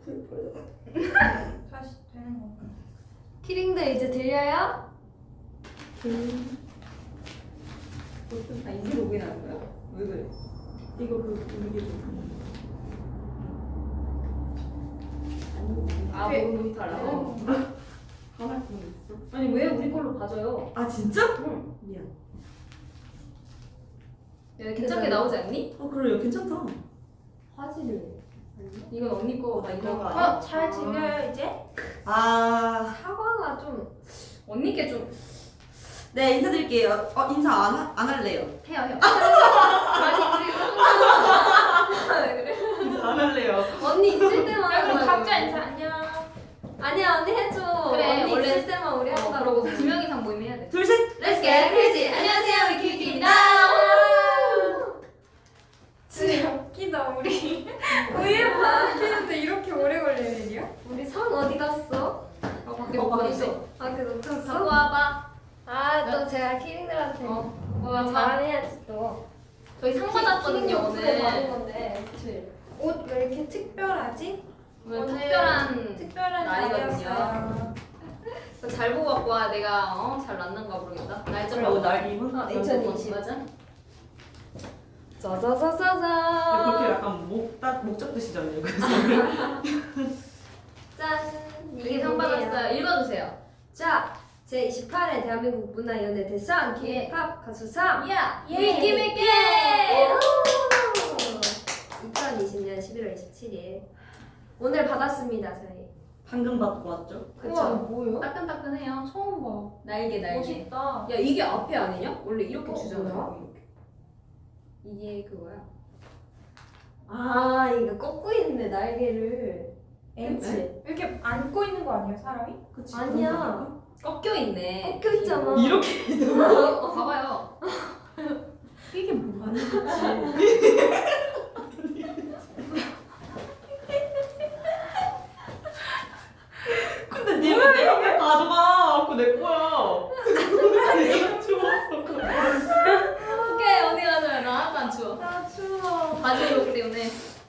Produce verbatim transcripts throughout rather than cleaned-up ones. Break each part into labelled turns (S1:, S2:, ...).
S1: 다시 되는 건가?
S2: 키링들 이제 들려요?
S3: 음.
S4: 아 이제 로그인 하는 거야? 왜 그래?
S3: 이거 그 이게 좀.
S4: 아
S1: 왜?
S4: 모르 모니터 하려고?
S3: 하나 그런 거 있어?
S4: 아니 왜 우리 걸로 봐줘요?
S3: 아 진짜?
S4: 응.
S3: 미안.
S4: 야 괜찮게 나오지 않니?
S3: 어 그래요 괜찮다.
S4: 화질을 이건 언니 거 나 이거
S3: 거
S1: 어? 잘 들려요 이제?
S3: 아,
S2: 사과가 좀
S4: 언니 게좀
S3: 네 인사드릴게요. 어 인사 안, 하, 안 할래요.
S4: 해요 해요.
S2: 아니 우리 왜 그래?
S3: 인사 안 할래요.
S2: 언니 있을 때만
S1: 야 그럼
S2: 하는
S1: 각자
S2: 거야.
S1: 인사 안녕.
S2: 아니야 언니 해줘.
S4: 그래,
S2: 언니
S4: 원래-
S2: 있을 때만 우리
S4: 어,
S2: 한다고.
S4: 그러고 두 명 이상 모이면 해야 돼.
S3: 둘 셋.
S2: Let's get crazy. 안녕하세요 위키위키입니다.
S1: 진짜 웃기다 우리. 우유 바뀌는데 이렇게 오래 걸리는 일이야?
S2: 우리 선 어디 갔어?
S4: 어 밖에
S3: 어,
S4: 못
S3: 밖에
S4: 있어.
S2: 아 그
S4: 갖고
S2: 놓쳤어?
S4: 와봐.
S2: 아 또 제가 키링들한테
S4: 어.
S2: 어,
S4: 와 잘.
S2: 잘해야지 또.
S4: 저희 상 받았거든요
S2: 받은
S4: 오늘.
S2: 건데.
S4: 그치.
S1: 옷 왜 이렇게 특별하지?
S4: 오늘
S1: 오늘
S4: 특별한
S1: 특별한
S4: 날이거든요.
S1: 날이었어요.
S4: 잘 보고 갖고 와. 내가 어? 잘 났는가 모르겠다. 날짜
S3: 그리고
S4: 보고.
S3: 날 입은.
S4: 어,
S2: 이천이십.
S4: 맞아?
S2: 짜자자자자.
S3: 그렇게 약간 목딱 목 잡듯이잖아요. 그래서
S2: 짠.
S4: 이게 상 받았어요. 읽어주세요.
S2: 자, 제이십팔 회 대한민국 문화연예 대상 K-팝 가수상
S4: 야!
S1: 예.
S2: 위키위키! 이천이십 년 십일월 이십칠일 오늘 받았습니다 저희.
S3: 방금 받고 왔죠.
S1: 우와
S2: 그쵸?
S1: 뭐요?
S4: 따끈따끈해요.
S1: 처음 봐.
S4: 날개 날개.
S1: 멋있다.
S4: 야 이게 앞에 아니냐? 원래 이렇게
S2: 어,
S4: 주잖아.
S2: 뭐야?
S4: 이렇게. 이게 그거야.
S2: 아 이거 꺾고 있네 날개를.
S1: 그치? 이렇게 안고 있는 거 아니에요 사람이?
S3: 그치.
S2: 아니야.
S4: 꺾여 있네.
S2: 꺾여 있잖아.
S3: 이렇게
S4: 어, 봐봐요.
S1: 이게 뭐야?
S3: 아니 그치. 근데 니가 내가 왜 가져가? 그거 내 거야. 내가 주웠어.
S4: 오케이 어디 가자. 나 하나도 안 추워.
S1: 나 추워.
S4: 바지 입었기 때문에.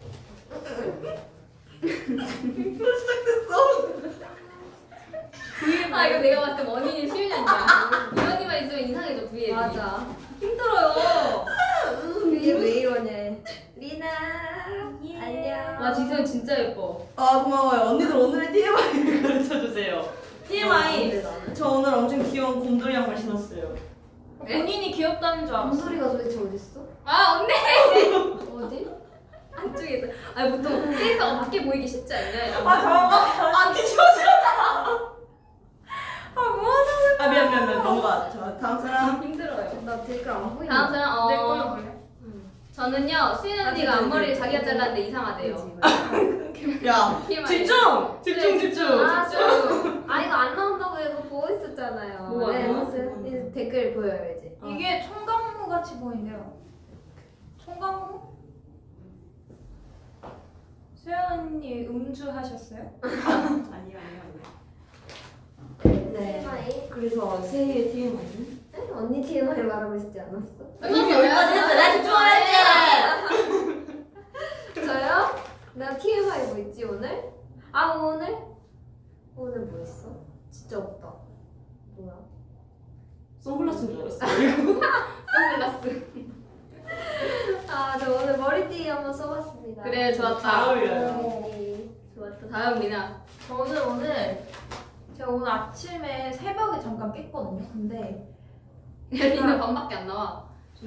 S3: 또 시작됐어.
S4: 아 이거 내가 봤을 때 원인이 수윤이야. 이런이만 있으면 이상해져 V앱이.
S2: 맞아.
S4: 힘들어요.
S2: 이게 왜 이러냐. 리나
S1: 예.
S2: 안녕.
S4: 아 지선 진짜 예뻐.
S3: 아 고마워요. 언니들 오늘의 티엠아이를 가르쳐 주세요. 티엠아이. 저 오늘 엄청 귀여운 곰돌이 양말 신었어요.
S1: 본인이 귀엽다는 줄 알았어.
S2: 곰돌이가 도대체 어딨어?
S4: 아 언니.
S2: 어디?
S4: 안쪽에 있어. 아니 보통 캐릭터가 밖에 보이기 쉽지 않냐?
S1: 아 잠깐만.
S3: 아 뒤집어져.
S1: 아 뭐하는
S3: 아 미안 미안 미안 넘어가. 자 다음 사람.
S4: 힘들어요.
S2: 나 댓글 안 보이네.
S4: 다음 사람 어.
S1: 내 걸로 볼래?
S4: 저는요 수윤 언니가 앞머리를 자기가 잘랐는데 이상하대요.
S3: 야
S4: 티엠아이.
S3: 집중 집중 집중.
S2: 아,
S4: 집중.
S2: 아 이거 안 나온다고 해서 보고 있었잖아요.
S4: 뭐가
S2: 네,
S4: 안 나와?
S2: 무슨 이 댓글 보여요 이제.
S3: 어.
S1: 이게 총각무 같이 보인대요. 총각무? 수연 언니 음주 하셨어요?
S3: 아니요 아니요 아니요.
S2: 네. 티엠아이.
S3: 그래서 새해 티엠아이는?
S2: 에? 언니 티엠아이 말하고 있지 않았어?
S4: 이미 여기까지 했어. 나 집중하랬지.
S2: 저요? 나 티엠아이 뭐 있지 오늘? 아 오늘? 오늘 뭐 있어? 진짜 없다. 뭐야?
S3: 선글라스인 줄 알았어.
S4: 선글라스.
S2: 아 저 오늘 머리띠 한번 써봤습니다.
S4: 그래
S3: 잘
S4: 좋았다.
S3: 어울려요.
S2: 머리띠.
S4: 좋았다. 다음 미나.
S1: 저는 오늘 제가 오늘 아침에 새벽에 잠깐 깼거든요. 근데
S4: 미나 밤밖에 안 나와.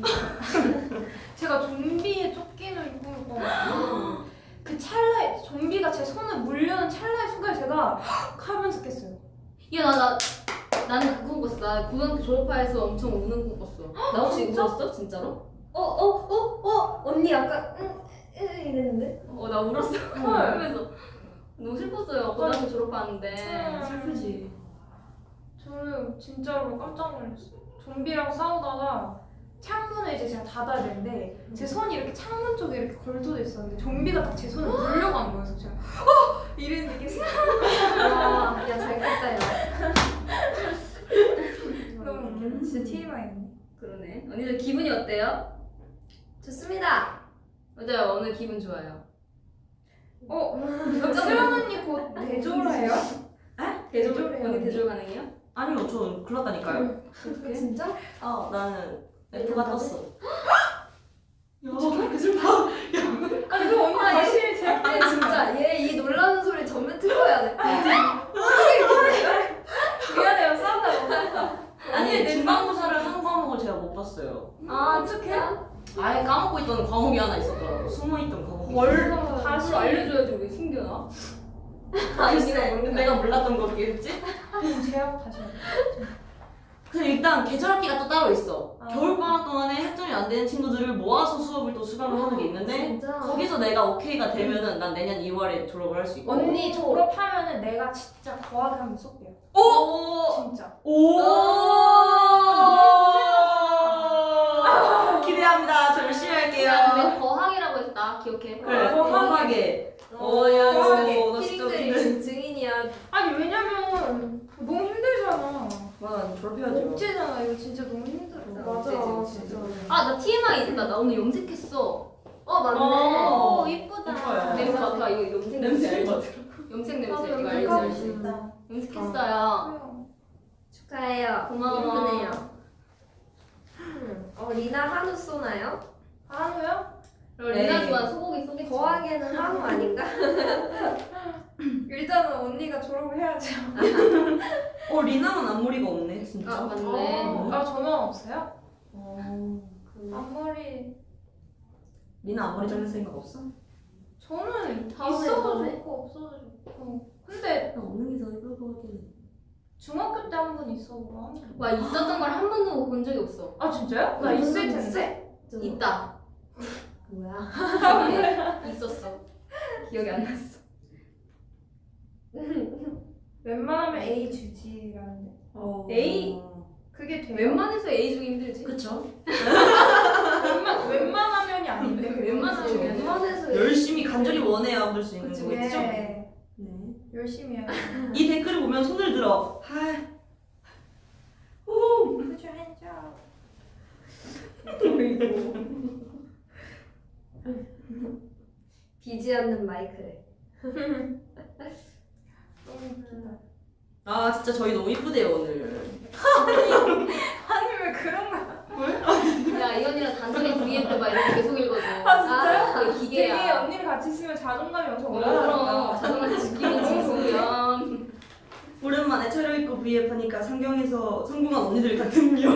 S1: 제가 좀비의 쫓기는 꿈을 꿔가지고 그 찰나에 좀비가 제 손을 물려는 찰나의 순간에 제가 헉 하면서 깼어요.
S4: 야 나 나 나는 그거 꿨어. 나 고등학교 졸업하에서 엄청 우는 꿈 꿨어. 나 혹시
S1: 진짜?
S4: 울었어 진짜로?
S2: 어 어 어 어 언니 약간 응, 응 이랬는데?
S4: 어 나 울었어. 그러면서 너무 슬펐어요. 고등학교 졸업하는데.
S3: 슬프지.
S1: 저는 진짜로 깜짝 놀랐어요. 좀비랑 싸우다가 창문을 이제 제가 닫아야 되는데 제 손이 이렇게 창문 쪽에 이렇게 걸쳐져 있었는데 좀비가 딱 제 손을 물려가는 거예요. 그래서 제가 어! 이랬는데 깼어요.
S2: 아, 야잘 깼다 야.
S1: 너무 웃겨. 진짜 티엠아이네.
S4: 그러네. 언니들 기분이 어때요?
S2: 좋습니다.
S4: 맞아요. 오늘 기분 좋아요.
S1: 어? 수연 언니 곧 대졸해요?
S4: 대졸
S1: 대졸해요.
S4: 언니 대졸 가능해요?
S3: 아니요, 저 글렀다니까요.
S2: 진짜?
S3: 아, 나는 F가
S2: 이거
S3: 떴어. 야, 그 슬퍼.
S1: 아니 그 언니 다시 제
S2: 근데 진짜 얘 이 놀라는 소리 전면 틀어야 돼.
S1: 미안해요 싸우다
S3: 아니, 중간고사를 한 과목을 제가 못 봤어요.
S2: 아 진짜?
S3: 아예 까먹고 있던 과목이 하나 있었더라고. 숨어있던 과목이.
S1: 월
S4: 다시
S1: 다시
S4: 알려줘야지 왜 숨겨놔?
S3: 글쎄, 내가 몰랐던 거겠지?
S1: 제압 다시 해야 돼.
S3: 근데 일단 계절학기가 또 따로 있어.
S1: 아.
S3: 겨울방학 동안에 학점이 안 되는 친구들을 모아서 수업을 또 수강을 하는 게 있는데
S2: 진짜?
S3: 거기서 내가 오케이가 되면은 난 내년 이월에 졸업을 할 수 있고.
S1: 언니 졸업하면은 내가 진짜 거하게 한번 쏠게요
S3: 오!
S1: 진짜
S3: 오!
S1: 아.
S3: 기대합니다. 저 열심히 할게요.
S4: 야, 내가 거항이라고 했다. 기억해.
S3: 그래,
S1: 거하게.
S3: 거하게.
S2: 어, 야,
S1: 거하게.
S2: 진짜
S3: 나 진짜
S2: 키링들이 증인이야.
S1: 아니 왜냐면 너무 힘들잖아
S3: 와, 졸업해야죠.
S1: 억제잖아 이거 진짜 너무 힘들어
S2: 맞아, 진짜.
S4: 아, 나 티엠아이 있다. 나 오늘 염색했어.
S2: 어, 맞네.
S3: 어.
S2: 오, 이쁘다.
S3: 이뻐요.
S4: 냄새 맡아. 이거 염색 냄새
S3: 냄새
S4: 알지? 염색 냄새.
S1: 나도
S4: 이거
S1: 염색하고
S4: 알지?
S1: 싶다
S4: 염색했어요.
S2: 축하해요.
S4: 고마워.
S2: 예쁘네요. 음, 어, 리나 한우 쏘나요?
S1: 한우요?
S4: 그리고
S3: 네.
S4: 리나 좋아 소고기 쏘겠지.
S2: 거하게는 한우 아닌가?
S1: 일단은 언니가 졸업을 해야죠
S3: 어, 리나만 앞머리가 없네, 진짜.
S4: 아, 맞네.
S1: 어. 아 저만 없어요?
S3: 어.
S1: 앞머리
S3: 리나 앞머리 자를 생각 없어?
S1: 저는
S2: 다음에,
S1: 있어도
S2: 다음에.
S1: 좋고 없어도 좋고 근데
S3: 나 없는 게 더 예쁠 것 같긴 해.
S1: 중학교 때 한 번 있어보고 한 번.
S4: 와, 있었던 걸 한 번도 본 적이 없어.
S1: 아 진짜요? 나
S2: 음,
S1: 있을
S2: 있어.
S1: 텐데
S4: 있다.
S2: 뭐야?
S4: 있었어. 기억이 안 났어.
S1: 웬만하면 A 주지라는데
S3: 어.
S4: 에이.
S1: 그게 돼요?
S4: 웬만해서 A 주기 힘들지.
S3: 그쵸?
S1: 웬만, 웬만하면이 아닌데
S4: 웬만하면
S1: 그거지.
S4: 아니야.
S2: 웬만해서
S3: 열심히 간절히 원해야 볼 수 있는
S4: 그치,
S3: 거겠죠?
S1: 네
S3: 네.
S1: 열심히 해야
S3: 이 댓글을 보면 손을 들어. 하. 오.
S1: Put your hands up
S2: 비지 않는 마이크래.
S1: 너무 웃기다
S3: 아 진짜 저희 너무 이쁘대요 오늘.
S1: 아니 왜 그런 거야
S4: 야, 이 언니랑 단순히 브이앱 봐 이렇게 계속 읽어줘.
S1: 아, 진짜요?
S4: 그게
S1: 되게
S4: 기계야.
S1: 언니랑 같이 있으면 자존감이 엄청
S4: 어, 그럼
S1: 올라가니까
S4: 자존감 지키는 지수면.
S3: 오랜만에 차려입고 브이앱 하니까 상경에서 성공한 언니들 같은요.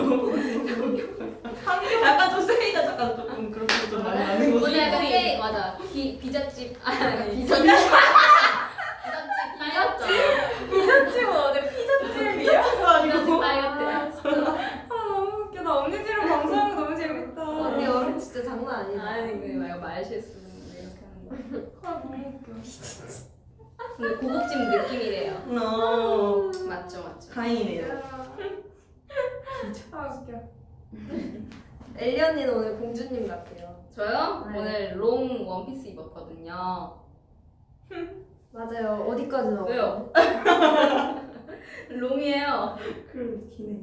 S3: 약간 좀 세이가 약간 조금 그렇게 좀 많이 나는 거지.
S4: 오늘 약간 세이 맞아. 비 비자집 아니 비자집. 비자집
S1: 피자집은 어제 피자집이야?
S3: 비자가
S4: 비자집
S3: 아니고.
S4: 딸 같아.
S1: 아 너무 웃겨 나 언니들이랑 방송하는 거 너무 재밌다
S2: 언니 얼음 진짜 장난 아니다.
S4: 아니 그 말고 말 실수 이렇게 하는 거.
S1: 아 너무 웃겨
S4: 근데 고급진 느낌이래요.
S3: 어.
S4: 맞죠, 맞죠.
S3: 다행이네요.
S1: 아 웃겨
S2: 엘리 언니는 오늘 공주님 같아요.
S4: 저요?
S2: 네.
S4: 오늘 롱 원피스 입었거든요.
S2: 맞아요. 어디까지 나와?
S4: 왜요? 롱이에요.
S3: 그럼 기네.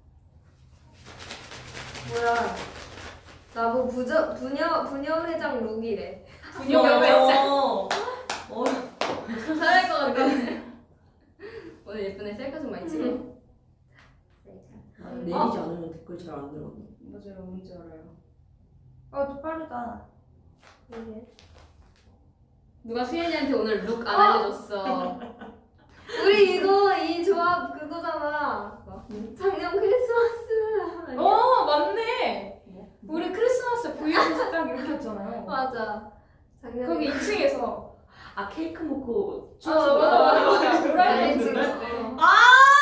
S2: 뭐야? 나뭐 부저 부녀 부녀 회장 룩이래.
S4: 분위기가 왜
S3: 어. 어.
S4: 잘할 것 같아. 오늘 예쁘네. 셀카 좀 많이 찍어.
S3: 아, 내리지 않으면 댓글 잘 안 들어.
S4: 맞아요. 뭔지 알아요.
S1: 어 빠르다
S2: 이게.
S4: 누가 수현이한테 오늘 룩 안
S2: 어!
S4: 알려줬어.
S2: 우리 이거 이 조합 그거잖아.
S4: 뭐?
S2: 작년 크리스마스. 아니야?
S1: 어 맞네
S4: 뭐?
S1: 우리 크리스마스 브이앱에서 딱 이렇게 했잖아요
S2: 맞아. 작년.
S1: 거기 이 층에서
S3: 아 케이크 먹고
S1: 아
S3: 춤추고.
S1: 맞아 맞아 맞아
S2: 네,
S1: 노란색
S2: 지금.
S1: 어.
S3: 아!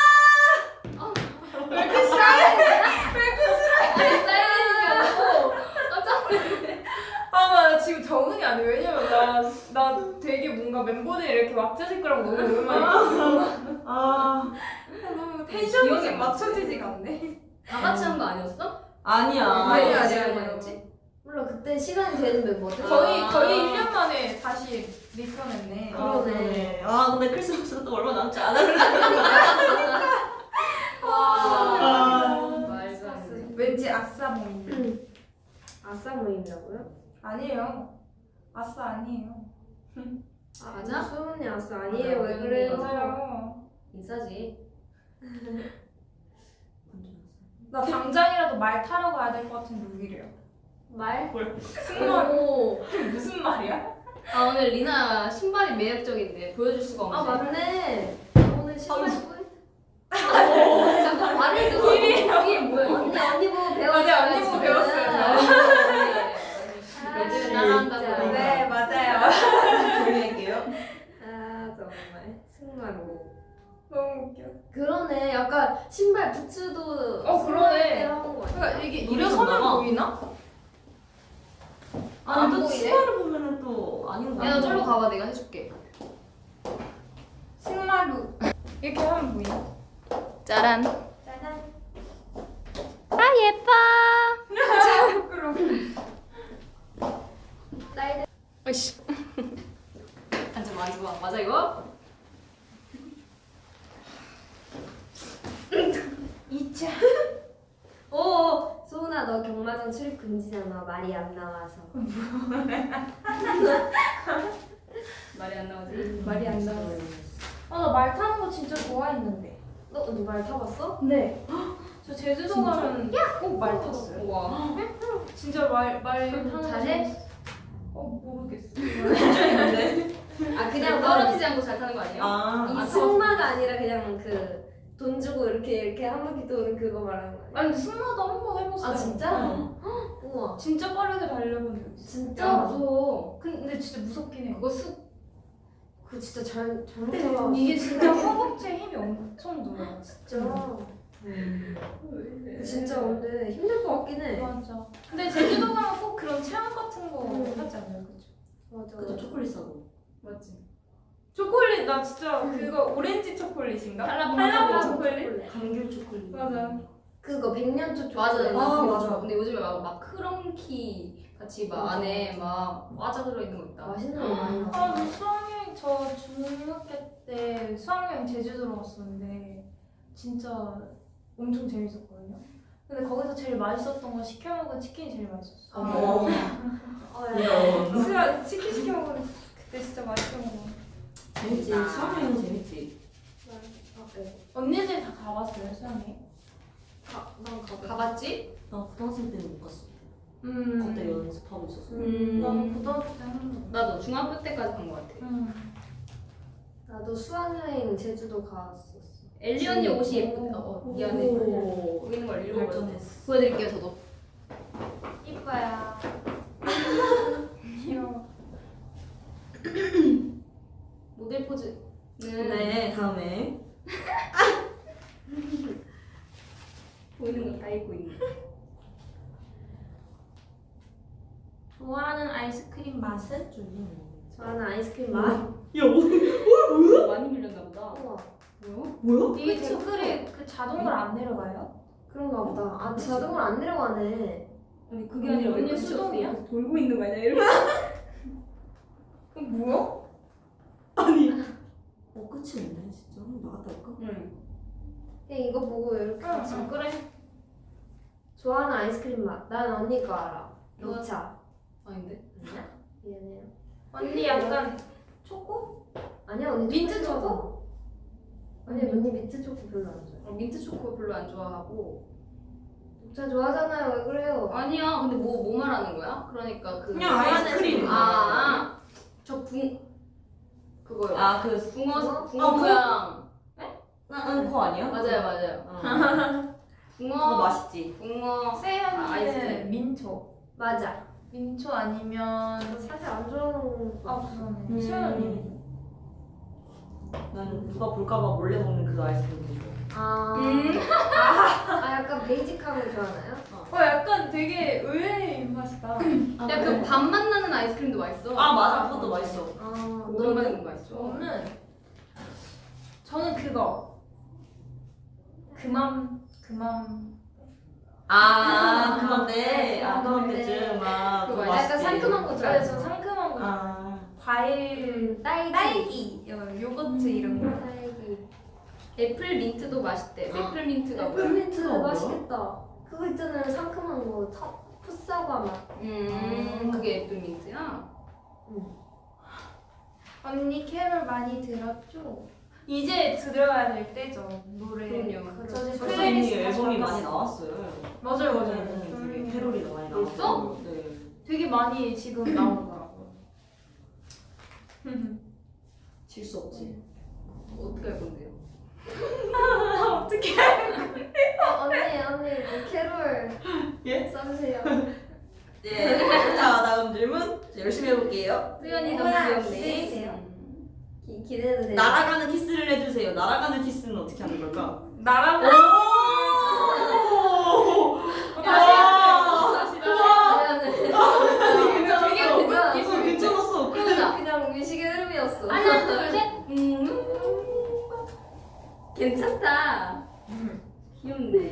S1: 왜 이렇게 싸해?
S4: 깜짝 놀랐네.
S1: 아, 나 지금 적응이 안 돼. 왜냐면 나, 나 되게 뭔가 멤버들이 이렇게 왁자질 거라고 너무 오랜만에
S3: 아.
S1: 너무
S4: 기억이
S1: 텐션이
S4: 안
S1: 맞춰지지가 않네.
S4: 다 같이 한 거 아니었어?
S3: 아니야.
S2: 아니, 아니,
S4: 시간
S2: 아니.
S4: 뭐였지?
S2: 몰라 그때 시간이 되는 멤버들.
S1: 거의,
S4: 아.
S1: 거의 일 년 만에 다시 리턴했네.
S3: 아,
S2: 그러네.
S3: 아 근데 크리스마스가 또 얼마 남지 않았어.
S4: 아, 말도 안 돼.
S1: 왠지 아싸 모임.
S2: 아싸 모임이라고요?
S1: 아니에요. 아싸 아니에요.
S2: 아,
S4: 맞아?
S2: 수은이 왔어. 아니에요.
S4: 맞아.
S2: 왜 그래요?
S1: 맞아요.
S4: 인싸지.
S1: 나 당장이라도 말 타러 가야 될 것 같은 룩이래요.
S2: 말?
S1: 승마
S2: 오.
S1: 무슨 말이야?
S4: 아 오늘 리나 신발이 매력적인데 보여줄 수가 없네.
S2: 아 맞네. 오늘 신발 신고 있- 잠깐 말을 듣고
S4: 이게 뭐야? 이거?
S2: 언니 언니 보고 배웠어요.
S1: 맞아, 언니 보고
S2: 지금.
S1: 배웠어요.
S2: 아,
S4: 요즘
S2: 진짜.
S4: 나간다고.
S1: 네, 맞아요.
S3: 조용할게요.
S2: 아 정말 승마로.
S1: 너무 웃겨.
S2: 그러네. 약간 신발 부츠도
S1: 어, 그러네.
S2: 승마대로 하는 거 아니야?
S1: 그러니까 이게
S3: 우리
S1: 일어서면
S3: 정답아.
S1: 보이나?
S3: 아니 또
S2: 보이네?
S3: 치마를 보면은 또 아닌 거
S4: 야, 너
S3: 같아.
S4: 저로 가봐. 내가 해줄게.
S1: 승마룩 이렇게 하면 보이나?
S4: 짜란.
S2: 짜잔.
S4: 아 예뻐.
S1: 부끄러워.
S2: 딸들.
S4: 아이씨. 앉아봐, 앉아봐. 맞아 이거?
S1: 이차.
S2: 오 소은아 너 경마장 출입 금지잖아. 말이 안 나와서.
S4: 말이 안 나오지?
S2: 말이 안 나와서.
S1: 아나 말 타는 거 진짜 좋아했는데.
S2: 너 언니 말 타봤어?
S1: 네. 저 제주도 가면 꼭 말 탔어요.
S4: 우와.
S1: 진짜 말말 타는 거
S2: 잘해?
S1: 좋아했어. 어 모르겠어.
S2: 아 그냥 너
S4: 떨어지지 않고 잘 타는 거 아니에요?
S3: 아,
S2: 이 승마가 아니라 그냥 그 돈 주고 이렇게 이렇게 한 바퀴 도는 그거 말하는 거 아니야?
S1: 아니 근데 승마도 한 번 해봤어요.
S2: 아 진짜?
S3: 응.
S2: 우와
S1: 진짜 빠르게 달려본 적 있어.
S2: 진짜?
S4: 야 무서워.
S1: 근데 진짜 무섭긴 해요.
S4: 그거 수
S2: 그거 진짜 잘 잘못해봐
S1: 이게 진짜 허벅지에 힘이 엄청 들어요.
S2: 진짜
S3: 음.
S2: 진짜 근데 힘들 것 같긴 해
S1: 맞아. 근데 제주도 가면 꼭 그런 체험 같은 거
S2: 음.
S1: 하지 않아요, 그죠?
S2: 맞아
S3: 그죠 초콜릿 사고.
S4: 맞지?
S1: 초콜릿 나 진짜 그거 오렌지 초콜릿인가?
S4: 한라봉
S1: 한라봉
S4: 초콜릿.
S1: 초콜릿?
S3: 감귤 초콜릿.
S1: 맞아.
S2: 그거 백년초
S4: 맞아.
S2: 초콜릿.
S4: 나
S3: 아,
S4: 그거
S3: 맞아.
S4: 좋아. 근데 요즘에 막, 막 크런키 같이 막
S2: 맞아.
S4: 안에 막 과자 들어있는 거 있다.
S2: 맛있는 거 많이
S1: 아,
S2: 나와
S1: 저 수학여행 저 중학교 때 수학여행 제주도로 갔었는데 진짜 엄청 재밌었거든요. 근데 거기서 제일 맛있었던 건 시켜 먹은 치킨이 제일 맛있었어.
S3: 어머.
S2: 어, 야.
S3: 이런.
S1: 수학 치킨 시켜 먹은 그때 진짜 맛있던 거.
S3: 재밌지. 수학여행은 재밌지.
S2: 아, 네.
S1: 언니들 다 가봤어요 수학여행?
S2: 가, 난 가봐
S4: 가봤지?
S3: 나 고등학생 때는 못 갔어.
S1: 음.
S3: 그때 연습하고 있었어.
S4: 음.
S1: 나는 고등학교 때 한 번.
S4: 나도 중학교 때까지 간 거 같아.
S1: 음.
S2: 나도 수학여행 제주도 갔었어
S4: 엘리 언니 옷이 예쁘다. 어, 미안해.
S3: 오.
S4: 거기 있는 걸 읽어버렸어.
S3: 발전했어.
S4: 보여드릴게요 저도.
S1: 이뻐야. 귀여워.
S4: 모델 포즈는
S3: 네 다음에.
S4: 보이는 거 다 읽고 있네.
S1: 좋아하는 아이스크림 맛은?
S2: 좋아하는 아이스크림 맛?
S3: 야 뭐?
S4: 많이 밀렸나 보다.
S2: 우와
S4: 뭐야?
S3: 뭐야?
S1: 이게
S2: 그쵸?
S1: 댓글이 그 자동으로 안 내려가요?
S2: 그런가 보다 아 자동으로 안 내려가네
S4: 아니 그게 아니라 왜
S1: 언니
S4: 끝이
S1: 수동이야?
S4: 없어? 돌고 있는 거 아니야? 이렇게.
S1: 그럼 뭐야?
S3: 아니. 어 끝이 없네 진짜. 한번 나갔다 올까?
S4: 응.
S2: 그냥 이거 보고 이렇게 같이
S1: 응, 그래.
S2: 좋아하는 아이스크림 맛. 난 언니 거 알아.
S4: 뭐?
S2: 녹차.
S4: 아닌데?
S2: 아니야? 미안해요.
S1: 언니 약간 초코?
S2: 아니야 언니
S1: 민트
S2: 초코
S1: 초코?
S2: 좋아하잖아. 아니 언니 민트 초코 별로 안 좋아해.
S4: 어, 민트 초코 별로 안 좋아하고.
S2: 녹차 좋아하잖아요. 왜 그래요?
S4: 아니야. 근데 뭐 뭐 말하는 거야? 그러니까 그
S3: 그냥 아이스크림.
S4: 아, 저붕 그거요.
S3: 아그
S4: 붕어 붕어
S3: 아, 그-
S4: 모양.
S3: 응, 그거 아니야?
S4: 맞아요, 맞아요.
S3: 어. 그거
S4: 붕어
S3: 맛있지.
S4: 붕어
S1: 세연이는
S4: 아, 아이스크림.
S1: 민초.
S2: 맞아.
S1: 민초 아니면
S2: 사실 안 좋아하는 거.
S1: 아 그러네.
S3: 음.
S1: 세연 언니는?
S3: 나는 누가 볼까봐 몰래 먹는 그 아이스크림 되게 좋아.
S2: 아,
S4: 음.
S2: 아 약간 베이직한 거 좋아하나요?
S1: 어 약간 되게 의외의 입맛이다.
S4: 야 그 밥맛 나는 아이스크림도 맛있어.
S3: 아 맞아 그것도 맛있어.
S2: 아
S4: 오랜만에
S2: 너는?
S4: 먹는 거 맛있어.
S1: 저는 저는 그거 그맘 그맘
S3: 아 그건데 아
S2: 그건데.
S3: 그건데쯤 아
S4: 그거
S3: 그거
S2: 약간
S3: 맛있지.
S2: 상큼한 거
S1: 좋아해서
S2: 좋아해서.
S1: 상큼한 거
S3: 아
S1: 과일
S2: 딸기.
S1: 딸기 요- 요거트 이런 거.
S2: 딸기.
S4: 애플 민트도 맛있대. 애플 민트가 뭐야?
S2: 애플민트
S3: 그거 뭐야?
S2: 맛있겠다. 그거 있잖아요 상큼한 거. 차, 풋사과 맛.
S4: 음, 그게 애플 민트야?
S1: 언니 캐롤 많이 들었죠? 이제 들어야 될 때죠 노래.
S4: 그럼요.
S1: 저 지금
S3: 벌써 이미
S1: 플레이리스트
S3: 앨범이
S1: 다시
S3: 많이
S1: 봤어요.
S3: 나왔어요.
S1: 맞아요 맞아요.
S3: 음, 되게
S1: 음.
S3: 캐롤이 많이
S4: 벌써?
S3: 나왔어요. 네.
S1: 되게 많이 지금 나오더라고요.
S3: 질 수 없지.
S4: 어떻게 할 건데요?
S1: 어떻게?
S2: 어, 언니 언니 뭐 캐롤
S3: 예?
S2: 써주세요.
S3: 예. 자 다음 질문 열심히 해볼게요.
S4: 수연이 너무
S2: 뭐야,
S4: 귀엽네.
S2: 기대해주세요. 기, 기대해도 돼요?
S3: 날아가는 키스를 해주세요. 날아가는 키스는 어떻게 하는 걸까?
S1: 나랑
S3: 오!
S1: 다시
S3: 와!
S1: 다시
S3: 우와!
S1: 되게
S2: 괜찮았어.
S1: 웃겨.
S3: 이거 괜찮았어.
S4: 그러자.
S2: 그냥 의식의 흐름이었어.
S4: 하나 둘 셋. 음. 괜찮다. 귀엽네.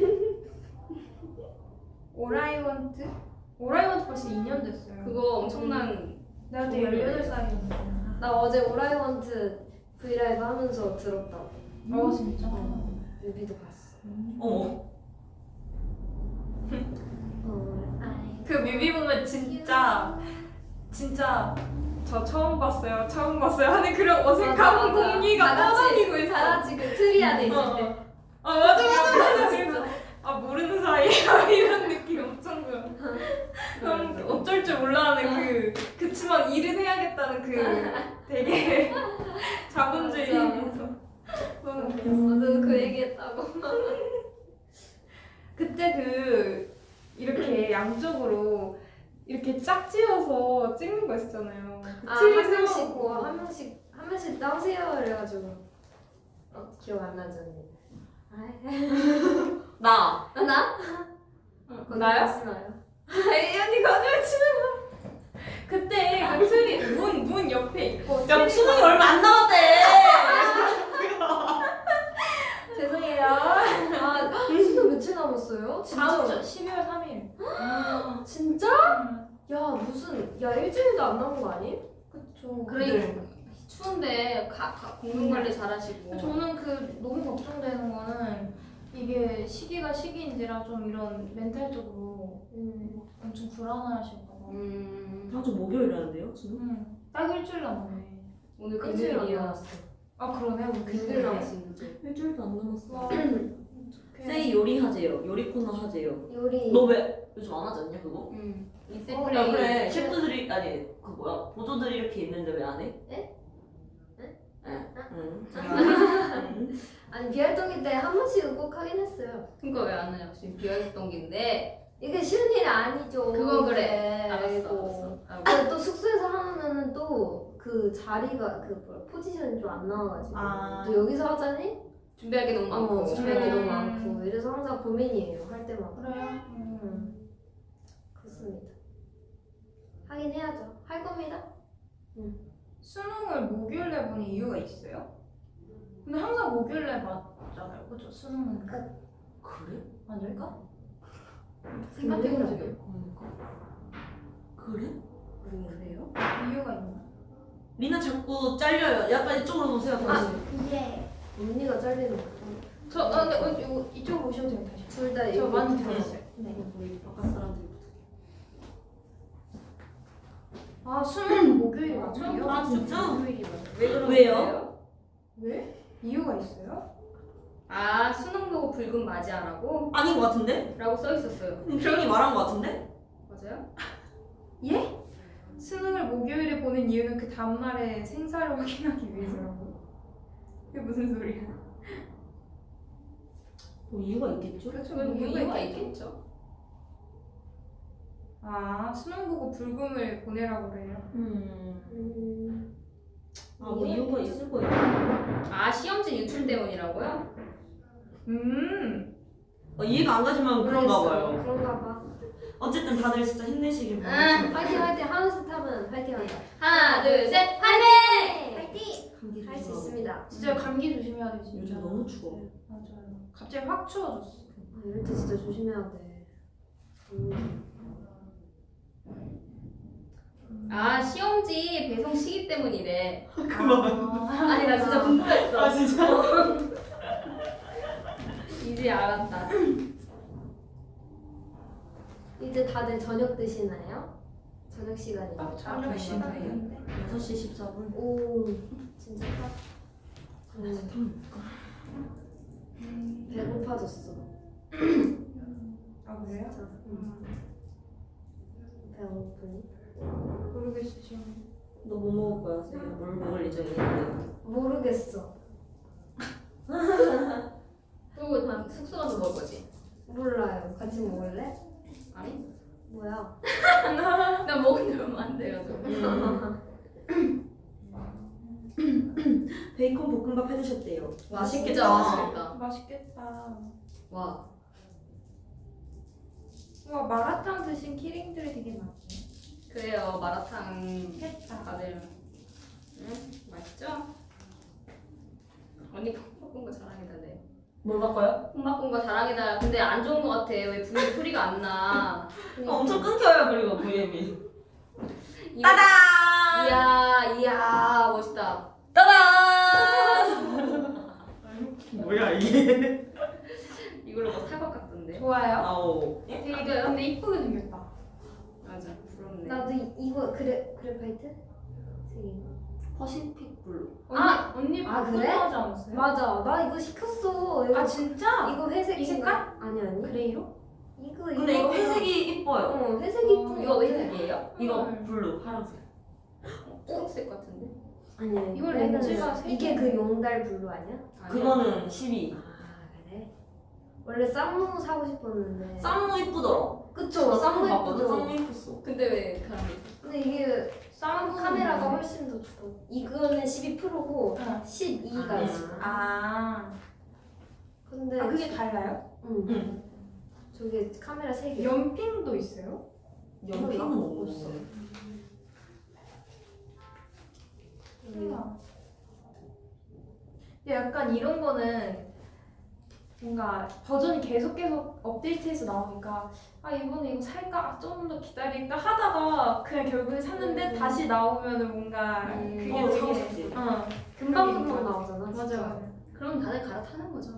S1: 오라이원트? 오라이원트 벌써 이 년 됐어요.
S4: 그거 엄청난.
S1: 내가 그때 열여덟 살이었는데.
S2: 나 어제 오라이원트 브이라이브 하면서 들었다고.
S1: 어 진짜?
S2: 뮤비도 봤어.
S3: 어머.
S2: 오라이.
S1: 그 뮤비 보면 진짜 진짜 저 처음 봤어요 처음 봤어요 하는 그런 어색한
S2: 맞아, 맞아.
S1: 공기가
S2: 다 같이-
S1: 떠다니고 있어.
S2: 다 같이 그 트리 안에 있을
S1: 어,
S2: 때.
S1: 어. 아 맞아 맞아 맞아. 그래서 아 모르는 사이야 이런 느낌 엄청 들어. 그럼 어쩔 줄 몰라하는 그 그치만 일은 해야겠다는 그 되게 자본주의에서 너무 웃겼어.
S2: 맞아, 그 얘기했다고.
S1: 그때 그 이렇게 양쪽으로 이렇게 짝지어서 찍는 거 있었잖아요. 그
S2: 아,
S1: 트리
S2: 한 명씩
S1: 세워놓고.
S2: 뭐, 한 명씩, 한 명씩 나오세요. 이래가지고. 어, 기억 안 나죠, 언니?
S3: 나.
S2: 아, 나?
S1: 어, 나요?
S2: 나요?
S1: 이 언니 거짓말 치는 거. 그때 그 트리 문, 문 옆에 있고
S3: 야
S1: 트리가-
S3: 수능이 얼마 안 남았대.
S1: 죄송해요.
S2: 아, 수능 며칠 남았어요?
S1: 다음
S2: 진짜?
S1: 주 십이월 삼일.
S2: 진짜? 야, 무슨, 야, 일주일도 안 남은 거 아니?
S1: 그쵸.
S4: 그러니까 추운데 가, 가, 공동 관리 잘하시고.
S1: 저는 그 너무 걱정되는 거는 이게 시기가 시기인지라 좀 이런 멘탈적으로
S2: 음.
S1: 엄청 불안하실까 봐.
S4: 음.
S3: 다음 주 목요일이라는데요 수능?
S1: 응. 딱 일주일 남았네.
S4: 오늘
S2: 일주일 안
S4: 금요일이야.
S2: 남았어.
S1: 아 그러네. 우리
S2: 일주일
S1: 금요일에.
S2: 남았어, 이제.
S3: 일주일도 안 남았어.
S1: 와.
S3: 세이 요리 하재요. 요리 코너 하재요.
S2: 요리.
S3: 너 왜 요즘 안 하지 않냐 그거?
S4: 음.
S2: 어,
S4: 이세플레이.
S3: 야 그래 셰프들이 아니 그 뭐야 보조들이 이렇게 있는데 왜 안 해?
S2: 에?
S3: 에?
S2: 에?
S3: 응. 응.
S2: 아니, 비활동기 때 한 번씩은 꼭 하긴 했어요.
S4: 그러니까 왜 안 해요? 지금 비활동기인데.
S2: 이게 쉬운 일이 아니죠.
S4: 그건 그래.
S2: 네,
S4: 알았어.
S2: 아이고.
S4: 알았어. 알고.
S2: 근데 또 숙소에서 하면은 또 그 자리가 그 뭐야 포지션이 좀 안 나와가지고
S3: 아.
S2: 또 여기서 하자니
S4: 준비할 게 너무 많고.
S2: 어, 준비할 게 너무
S1: 음.
S2: 많고 이래서 항상 고민이에요 할 때마다.
S1: 그래요?
S2: 음. 그렇습니다. 하긴 해야죠. 할 겁니다.
S1: 수능을 목요일에 보는 이유가 있어요? 근데 항상 목요일에 맞잖아요. 그죠? 수능은
S3: 그래?
S1: 아닐까?
S2: 생각해본 적이
S3: 그래?
S2: 그래요?
S1: 이유가 있나?
S3: 리나 자꾸 잘려요. 약간 이쪽으로 보세요 다시.
S1: 예.
S2: 언니가 잘리는 거.
S1: 저 아, 근데 어, 이거 이쪽으로 오셔도 돼요 다시.
S2: 둘다
S1: 저 많이 들었어요.
S2: 네.
S3: 우리 바깥 사람들.
S1: 아 수능 목요일이 맞아요?
S3: 아 진짜?
S1: 목요일이 맞아요.
S4: 왜 그런
S3: 왜요?
S4: 거예요?
S1: 왜? 이유가 있어요?
S4: 아 수능 보고 붉은 맞이하라고?
S3: 아닌 것 같은데?
S4: 라고 써 있었어요.
S3: 기영이 말한 것 같은데?
S4: 맞아요?
S1: 예? 수능을 목요일에 보는 이유는 그 다음날에 생사를 확인하기 위해서라고. 이게 무슨 소리야?
S3: 뭐 이유가 있겠죠?
S1: 그렇죠.
S4: 그건 뭐 이유가
S1: 있겠죠.
S4: 있겠죠.
S1: 아 수능 보고 불금을 보내라고 그래요.
S3: 음.
S2: 음.
S3: 아뭐 이유가 있을 거예요.
S4: 아 시험지 유출 때문이라고요?
S1: 음.
S3: 어, 이해가 안 가지만 그런가 봐요.
S2: 그런가 봐.
S3: 어쨌든 다들 진짜 힘내시길
S4: 음.
S3: 바랍니다.
S2: 화이팅 화이팅 하우스 타면 화이팅 하자.
S4: 하나 둘 셋 화이팅!
S2: 화이팅!
S3: 감기
S2: 할 수
S3: 조심하고.
S2: 있습니다.
S1: 진짜 감기 조심해야 돼 진짜.
S3: 요즘 너무 추워.
S1: 맞아요. 갑자기 확 추워졌어.
S2: 아, 이럴 때 진짜 조심해야 돼. 음.
S4: 아 시험지 배송 시기 때문이래.
S1: 그만.
S4: 아니 나 진짜 궁금했어.
S3: 아 진짜?
S4: 이제 알았다.
S2: 이제 다들 저녁 드시나요? 저녁 시간이니까.
S1: 아, 저녁 시간인데.
S3: 여섯 시 십사 분.
S2: 오, 진짜 딱. 음, 배고파졌어.
S1: 아 그래요?
S2: 진짜. 음. 배고프니?
S1: 모르겠어 지금.
S3: 너 뭐 먹을 거야, 세야? 뭘 먹을 예정이야?
S2: 모르겠어.
S4: 또 다 숙소 가서 먹을 거지?
S2: 몰라요. 같이 먹을래?
S4: 아니?
S2: 뭐야?
S4: 나 먹은 지 얼마 안 돼가지고.
S3: 베이컨 볶음밥 해드셨대요.
S4: 와
S3: 맛있겠다.
S4: 진짜 맛있겠다.
S1: 맛있겠다.
S4: 와.
S1: 와 마라탕 드신 키링들이 되게 많네.
S4: 그래요 마라탕
S1: 했다.
S4: 다들 응? 맛있죠? 언니 콩 바꾼 거 자랑해달래.
S3: 뭘 바꿔요?
S4: 콩 바꾼 거 자랑해달라. 근데 안 좋은 거 같아. 왜 분위기 소리가 안 나?
S3: 어, 엄청 끊겨요, 그리고 브이엠이.
S4: 이-
S3: 따단!
S4: 이야 이야 멋있다.
S3: 따단! 뭐야, 이게?
S4: 이걸로 뭐 사과 깎던데.
S1: 좋아요.
S3: 아오.
S1: 되게 근데 이쁘게 생겼다.
S4: 맞아 부럽네.
S2: 나도 이, 이거 그래 그래파이트? 색인가?
S3: 퍼시픽 블루.
S1: 언니,
S2: 아!
S1: 언니
S2: 아,
S1: 바꾸고
S2: 그래?
S1: 하지 않았어요?
S2: 맞아. 나 이거 시켰어. 이거,
S1: 아 진짜?
S2: 이거 회색
S1: 이 색깔?
S2: 아니 아니.
S1: 그레이로?
S2: 이거
S3: 근데 이거 회색이 이뻐요.
S2: 어 회색 이쁜
S4: 이거
S2: 거
S4: 왜
S2: 같아.
S4: 색이에요?
S3: 이거
S1: 음.
S3: 블루, 파란색.
S4: 초록색 같은데.
S2: 아니 아니.
S1: 이걸
S2: 얘는
S1: 렌즈가 색이
S2: 이게 그 용달 블루 아니야?
S4: 아니야?
S3: 그거는 십이.
S2: 아 그래? 원래 쌈무 사고 싶었는데.
S3: 쌈무 이쁘더라.
S2: 그쵸. 쌈무
S3: 봤거든.
S2: 예쁘죠.
S3: 쌈무 이뻤어.
S4: 근데 왜 다른 게?
S2: 근데 이게
S1: 쌍
S2: 카메라가 훨씬 더 좋아. 이거는 십이 프로고
S1: 어.
S2: 십이가
S3: 아.
S2: 있어.
S1: 아,
S2: 근데
S1: 아 그게 달라요?
S2: 응.
S3: 응.
S2: 저게 카메라 세 개.
S1: 연핑도 있어요?
S3: 연필은
S2: 없어.
S3: 없어.
S1: 우와. 근데 약간 이런 거는 뭔가 버전이 계속 계속 업데이트해서 나오니까 아 이번에 이거 살까? 좀 더 기다릴까? 하다가 그냥 결국에 샀는데
S2: 음.
S1: 다시 나오면은 뭔가
S4: 음.
S1: 그게
S3: 어, 사고
S1: 되게
S3: 싶지.
S1: 어
S2: 금방
S1: 그러니까.
S2: 금방 나오잖아.
S1: 맞아
S2: 진짜.
S1: 맞아.
S4: 그럼 다들 갈아타는 거죠.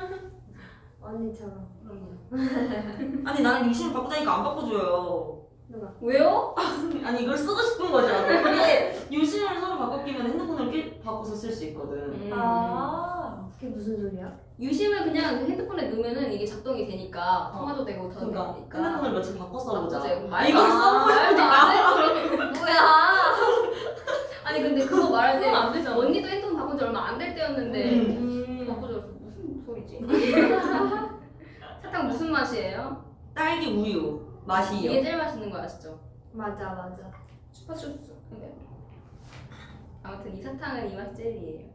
S2: 언니처럼.
S4: 그럼요.
S3: 아니, 나는 유심을 바꾸다니까 안 바꿔줘요.
S2: 누가?
S4: 왜요?
S3: 아니, 이걸 쓰고 싶은 거잖아. 근데 유심을 서로 바꿔끼면 핸드폰을 끼, 바꿔서 쓸 수 있거든.
S4: 음.
S1: 아
S2: 그게 무슨 소리야?
S4: 유심을 그냥 핸드폰에 넣으면은 이게 작동이 되니까 통화도 되고 다
S3: 그러니까
S4: 되니까.
S3: 핸드폰을 며칠 바꿔 써보자.
S4: 바꾸자.
S3: 아, 이걸 써보자.
S4: 말도 안 돼.
S2: 뭐야?
S4: 아니 근데 그거 말할 때
S1: 그건 안 되잖아.
S4: 언니도 핸드폰 바꾼 지 얼마 안 될 때였는데
S1: 음.
S4: 바꿔줘. 무슨 소리지? 사탕 무슨 맛이에요?
S3: 딸기 우유 맛이요.
S4: 이게 제일 맛있는 거 아시죠?
S2: 맞아 맞아.
S4: 슈퍼슈스. 근데 아무튼 이 사탕은 이 맛 젤리예요.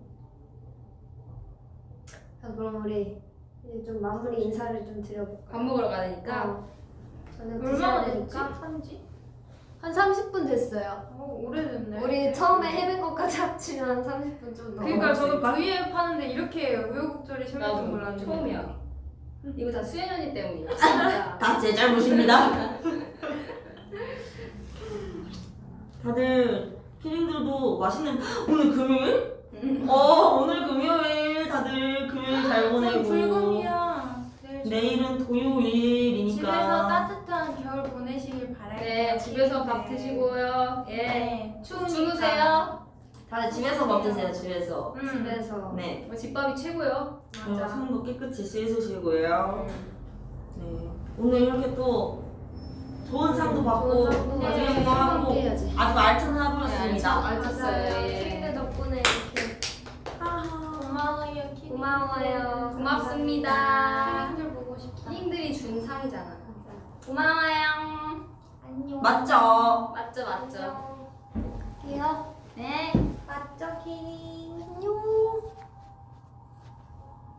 S2: 자 그럼 우리 이제 좀 마무리 인사를 좀 드려볼까?
S4: 밥 먹으러 가니까
S2: 어. 저녁
S1: 얼마나
S2: 드셔야
S1: 됐지?
S2: 되니까
S1: 산지?
S2: 한 삼십 분 됐어요.
S1: 어 오래됐네.
S2: 우리 처음에 헤맨 것까지 합치면 한 삼십 분 좀 넘어.
S1: 그러니까 저도 브이앱 하는데 이렇게 우여곡절이 심할 줄
S4: 나도
S1: 몰랐는데
S4: 처음이야. 이거 다 수연 언니 때문이야. 진짜.
S3: 다 제 잘못입니다. 다들 키링들도 맛있는 오늘 금요일?
S4: 음.
S3: 어 오늘 금요일 다들 금요일 잘 보내고
S1: 불금이야. 내일 좀
S3: 내일은 토요일이니까
S1: 집에서 따뜻한 겨울 보내시길 바랄게요.
S4: 네, 집에서 밥 드시고요. 예.
S1: 네, 추우니까.
S4: 주무세요.
S3: 다들 집에서 밥 드세요 집에서.
S1: 음.
S2: 집에서.
S3: 네.
S4: 뭐 집밥이 최고요.
S3: 그리고
S2: 맞아.
S3: 손도 깨끗이 씻으시고요.
S4: 음.
S3: 네. 오늘 이렇게 또 좋은 상도 받고
S2: 좋은 상도
S3: 나중에
S2: 받고
S3: 뭐 하고
S2: 함께 해야지.
S3: 아주 알찬
S4: 네,
S3: 하루였습니다.
S4: 알찬- 알찼어요. 예.
S2: 키링들 덕분에 이렇게
S1: 고마워요, 키링.
S2: 고마워요.
S4: 고맙습니다.
S1: 키링들 보고 싶다.
S4: 키링들이 준 상이잖아.
S2: 맞아.
S4: 고마워요.
S1: 안녕.
S3: 맞죠?
S4: 맞죠, 맞죠.
S2: 안녕.